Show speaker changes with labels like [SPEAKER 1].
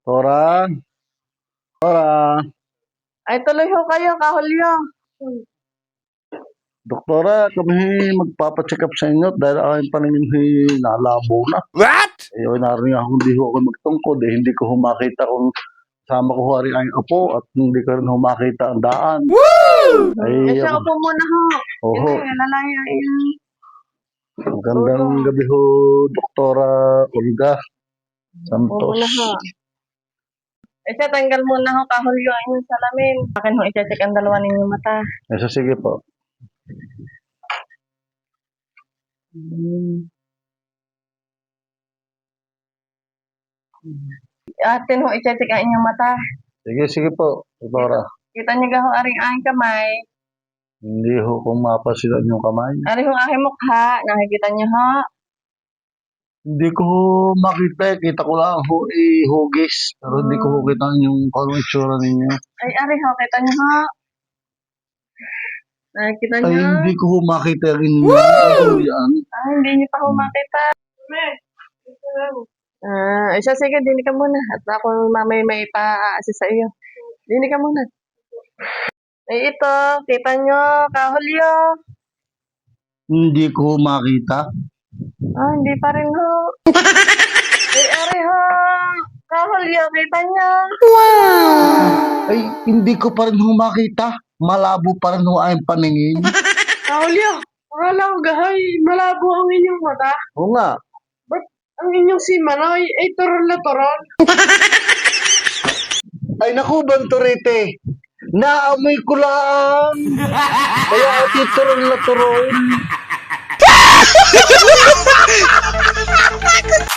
[SPEAKER 1] Tora, Tora,
[SPEAKER 2] Ay, tuloy ho kayo, kahulyo.
[SPEAKER 1] Doktora, kami magpapacheck up sa inyo dahil aking paningin nalabo na.
[SPEAKER 3] What?
[SPEAKER 1] Eh, narinig ako hindi ho ako magtungkod eh. Hindi ko humakita kung sama ko ho rin ang apo at hindi ko rin humakita ang daan. Ay,
[SPEAKER 2] Isa upo muna ho.
[SPEAKER 1] oho,
[SPEAKER 2] Hindi, lalaya yun.
[SPEAKER 1] magandang gabi ho, Doktora Olga
[SPEAKER 2] Upo
[SPEAKER 1] Santos.
[SPEAKER 2] muna ho. Isa, tanggal muna ho, kahulyo ang inyong salamin. Akin ho, i-check ang dalawa ninyong mata.
[SPEAKER 1] Eso, sige po.
[SPEAKER 2] Atin ho, i-check ang inyong mata.
[SPEAKER 1] Sige po, Doktora.
[SPEAKER 2] Kita niyo ga ho, aring aking kamay.
[SPEAKER 1] Hindi ho kung mapasilan yung kamay.
[SPEAKER 2] Aring ho, aking mukha. Nakikita niyo ho.
[SPEAKER 1] Hindi ko ho makita. Kita ko lang ho hugis. Pero hindi ko ho kita yung kung itsura ninyo.
[SPEAKER 2] Ay, aring ho, kita niyo ho. Nakikita
[SPEAKER 1] Ay,
[SPEAKER 2] niyo.
[SPEAKER 1] hindi ko ho makita yung inyo. Yan.
[SPEAKER 2] Ah, hindi niyo pa ho makita. Isa, sige, dinig ka muna. At ako mamay may pa-assist sa iyo. Dinig ka muna. Ay, ito, kita nyo, kahulyo.
[SPEAKER 1] Hindi ko ho makita.
[SPEAKER 2] Ah, hindi pa rin ho. Ay, ari ho. Kahulyo, kita nyo.
[SPEAKER 1] Ay, hindi ko pa rin ho makita. Malabo pa rin ho ang paningin.
[SPEAKER 2] Kahulyo, akala ko gahay, malabo ang inyong mata.
[SPEAKER 1] Oo nga.
[SPEAKER 2] Ba't ang inyong si Manoy ay turon na turon?
[SPEAKER 1] Ay, naku, Banturite. Naamoy ko lang. Kaya ati turon na turon.